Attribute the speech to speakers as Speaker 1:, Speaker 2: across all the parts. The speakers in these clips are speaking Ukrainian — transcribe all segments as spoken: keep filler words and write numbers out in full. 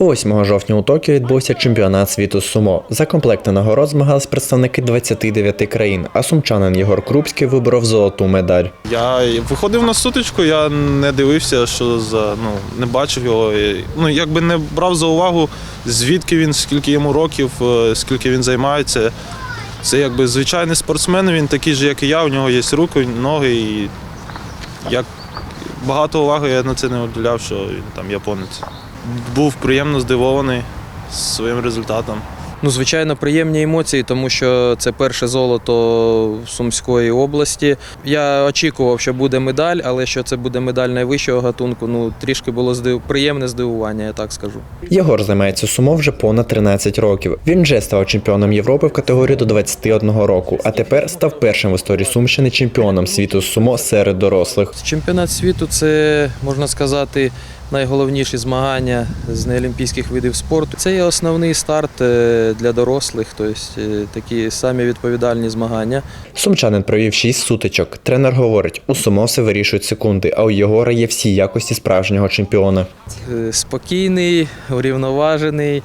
Speaker 1: восьмого жовтня у Токіо відбувся чемпіонат світу з сумо. За комплекти нагород змагались представники двадцяти дев'яти країн, а сумчанин Єгор Крупський виборов золоту медаль.
Speaker 2: Я виходив на сутичку, я не дивився, що за ну не бачив його. Ну якби не брав за увагу, звідки він, скільки йому років, скільки він займається. Це якби звичайний спортсмен, він такий же, як і я. У нього є руки, ноги. І як багато уваги я на це не уділяв, що він там японець. Був приємно здивований своїм результатом.
Speaker 3: Ну, звичайно, приємні емоції, тому що це перше золото Сумської області. Я очікував, що буде медаль, але що це буде медаль найвищого гатунку, ну, трішки було здив... приємне здивування, я так скажу.
Speaker 1: Єгор займається сумо вже понад тринадцять років. Він вже став чемпіоном Європи в категорії до двадцяти одного року, а тепер став першим в історії Сумщини чемпіоном світу з сумо серед дорослих.
Speaker 3: Чемпіонат світу – це, можна сказати, найголовніші змагання з неолімпійських видів спорту. Це є основний старт для дорослих, тобто такі самі відповідальні змагання.
Speaker 1: Сумчанин провів шість сутичок. Тренер говорить, у сумо все вирішують секунди, а у Єгора є всі якості справжнього чемпіона.
Speaker 3: Спокійний, урівноважений,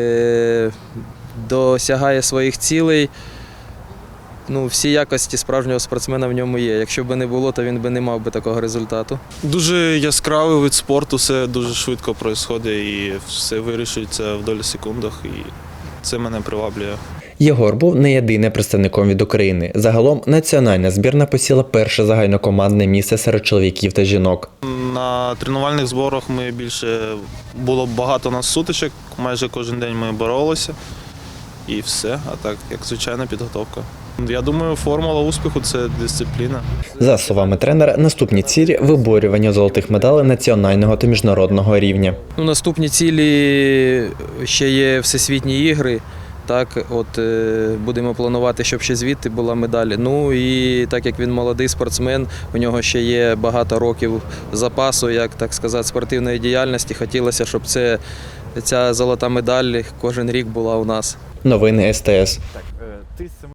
Speaker 3: досягає своїх цілей. Ну, всі якості справжнього спортсмена в ньому є. Якщо б не було, то він би не мав би такого результату.
Speaker 2: Дуже яскравий вид спорту, все дуже швидко відбувається і все вирішується в долі секундах. І це мене приваблює.
Speaker 1: Єгор був не єдиним представником від України. Загалом національна збірна посіла перше загальнокомандне місце серед чоловіків та жінок.
Speaker 2: На тренувальних зборах ми більше було багато нас сутичок, майже кожен день ми боролися. І все, а так, як звичайна підготовка. Я думаю, формула успіху – це дисципліна.
Speaker 1: За словами тренера, наступні цілі – виборювання золотих медалей національного та міжнародного рівня.
Speaker 3: Ну, наступні цілі ще є всесвітні ігри. Так, от е, будемо планувати, щоб ще звідти була медаль. Ну і так як він молодий спортсмен, у нього ще є багато років запасу, як так сказати, спортивної діяльності. Хотілося, щоб це, ця золота медаль кожен рік була у нас.
Speaker 1: Новини ес те ес.